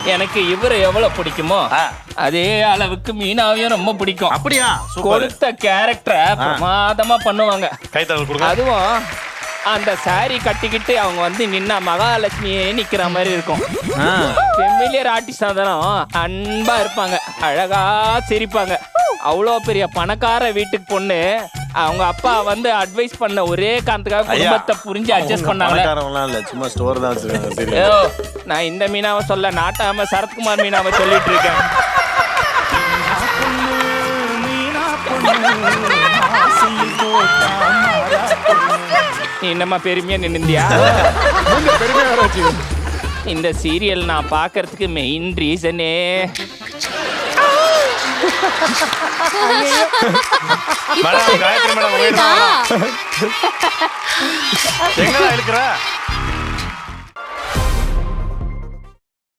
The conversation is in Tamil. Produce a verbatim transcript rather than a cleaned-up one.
எனக்கு இவரை எவ்வளவு பிடிக்குமோ அதே அளவுக்கு மீனாவையும் ரொம்ப பிடிக்கும். அப்படியா? கொடுத்த கேரக்டரை பிரமாதமா பண்ணுவாங்க. கைத்தறல் கொடுங்க. அதுவும் அந்த சாரி கட்டிக்கிட்டு அவங்க வந்து நின்னா மகாலட்சுமியே நிக்கிற மாதிரி இருக்கும். ஃபெமிலியர் ஆர்டிஸ்டா தானும் அன்பா இருப்பாங்க, அழகா சிரிப்பாங்க. அவ்வளோ பெரிய பணக்கார வீட்டுக்கு பொண்ணு அவங்க அப்பா வந்து அட்வைஸ் பண்ண ஒரே காரணத்துக்காக குடும்பத்தை புரிஞ்சு அட்ஜஸ்ட் பண்ணாங்க. சும்மா ஸ்டோர் தான் வச்சிருக்காங்க. நான் இந்த மீனாவை சொல்ல, நாட்டாம சரத்குமார் மீனாவை சொல்லிட்டு இருக்கேன். நீ என்னம்மா பெருமையா நின்னுந்தியா? இந்த சீரியல் நான் பார்க்கறதுக்கு மெயின் ரீசனே மேடம், காயத்ரி மேடம், எங்கடா இருக்கிற?